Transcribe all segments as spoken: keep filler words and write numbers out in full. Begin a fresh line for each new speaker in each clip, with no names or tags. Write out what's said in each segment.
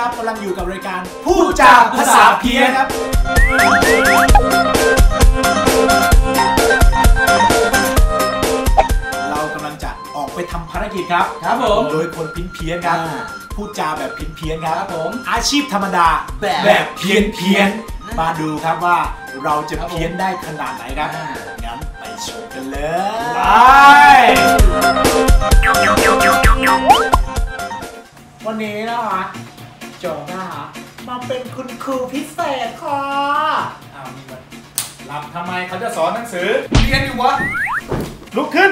ครับกำลังอยู่กับรายการพูดจาภาษาเพี้ยนครับเรากำลังจะออกไปทำภารกิจครับ
ครับผม
โดยคนพิ้นเพี้ยนครับพูดจาแบบพิ้นเพี้ยนครับ
ผม
อาชีพธรรมดาแบบเพี้ยนเพี้ยนมาดูครับว่าเราจะเพี้ยนได้ขนาดไหนครับงั้นไปชมกันเลยวันนี้นะคะโจนะคะมาเป็นคุณครูพิเศษค่ะอ้าวนี่มันหลับทำไมเขาจะสอนหนังสือเรียนอยู่วะลุกขึ้น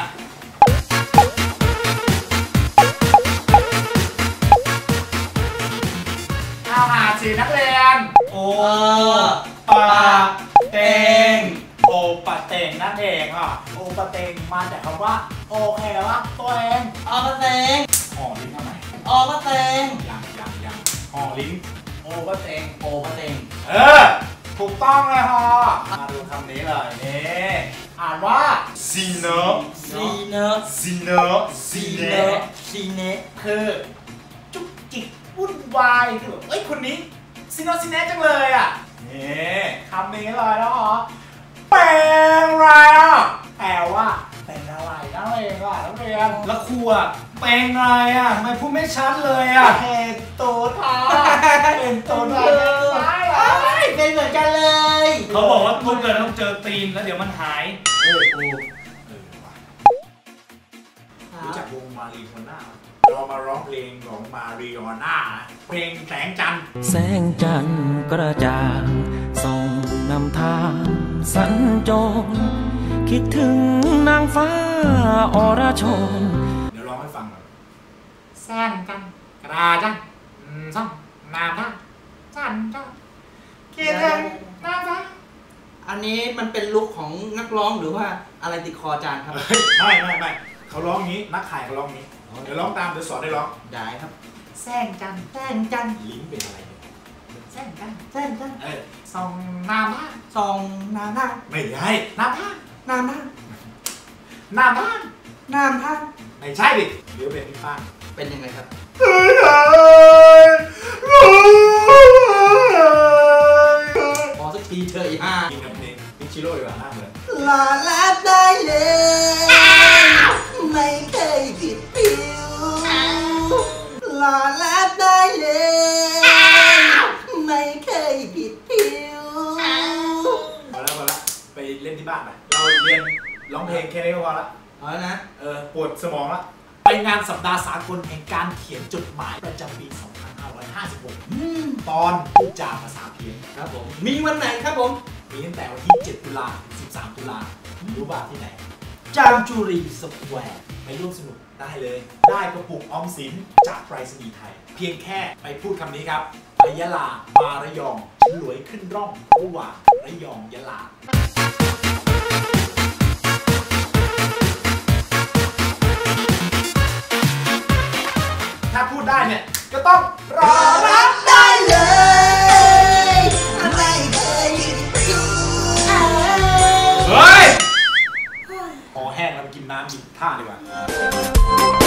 เอาหาสีนักเรียนโอปะเตงโอปะเตงนั่นเองอ่ะโอปะเตงมาจากคำว่าโอเคว่าตัวเอง
โอปะเตง
ห่อลิ้นทำไม
โอปะเตง
ยังยังยังห่อลิ้น
โอปะเตงโอปะเตง
เออถูกต้องเลยฮะมาดูคำนี้เลยนี่อ่านว่าซีเน
ซีเน
ซีเน
ซีเนซีเน
คือจุกจิกวุ่นวายคือแบบเอ้ยคนนี้ซีโนซีเนจังเลยอ่ะนี่คำนี้เลยแล้วฮะเป็นอะไรอ่ะแปลว่าเป็นอะไรนั่นเองอ่ะนักเรียนแล้วครูอ่ะเป็นอะไรอ่ะทำไมพูดไม่ชัดเลยอ่ะเห็นตัวท้าเป็นตัวเลย
เป็นเหมือนกันเลย
เขาบอกว่าทุกเดือนต้องเจอตีนแล้วเดี๋ยวมันหายเออครูเออว่ะรู้จักวงมารีโอน่าเรามาร้องเพลงของมารีโอน่าเพลงแสงจันทร์
แสงจันทร์กระจ่างส่องนำทางสัญจรคิดถึงนางฟ้าอรชร
เดี๋ยวร้องให้ฟังหน่อยแสงจันทร์กระจ่างส่องนำทางสัญจรคิดถึงนางฟ้า
อันนี้มันเป็นลุคของนักร้องหรือว่าอะไรติดคอจานครับ
ไม่ไม่ไม่เขาร้องงี้นักขายเขาร้องงี้เดี๋ยวร้องตามเดี๋ยวสอนได้ร้อง
ได้ครับ
แสงจันทร์แสงจันทร์ลิ้นเป็นอะไรเนี่ยแสงจันทร์แสงจันทร์เออส่องน้ำผ้า
ส่องน้ำผ้า
ไม่ใช่น้ำผ้า
น้ำผ้า
น้ำผ้า
น้ำผ้า
ไม่ใช่ดิหรือเป็นพี่ป้า
เป็นยังไงครับพอสักทีเถอะฮ่า
กินกับเพลงพิชิโร่ดีกว่าหน้าเหมือน
ลาลาได้เลยไม่เคยผิดผิวลาลาได้เลยไม่เคยผิดผิว
พอแล้วพอแล้วไปเล่นที่บ้านไปเราเรียนร้องเพลงแค่นี้ก็พอละ
พอแล้วนะ
เออปวดสมองละไปงานสัปดาห์สากลแห่งการเขียนจดหมายประจำปี สองพันห้าร้อยห้าสิบหก ตอนพูดจาภาษาเพี้ยน
ครับผมมีวันไหนครับผม
มีตั้งแต่วันที่เจ็ดตุลาถึงสิบสามตุลารู้บ้างที่ไหน
จามจุรีสแควร์
ไปร่วมสนุกได้เลยได้กระปุกออมสินจากไปรษณีย์ไทยเพียงแค่ไปพูดคำนี้ครับไปยะลามาระยองฉลวยขึ้นร่องระหว่างระยองยะลาถ้าพูดได้เนี่ยก็ต้องรอรับ
ได้เลยไม่เคยหยุดอยู่
เฮ้ยคอแห้งแล้วไปกินน้ำกินท่าดีกว่า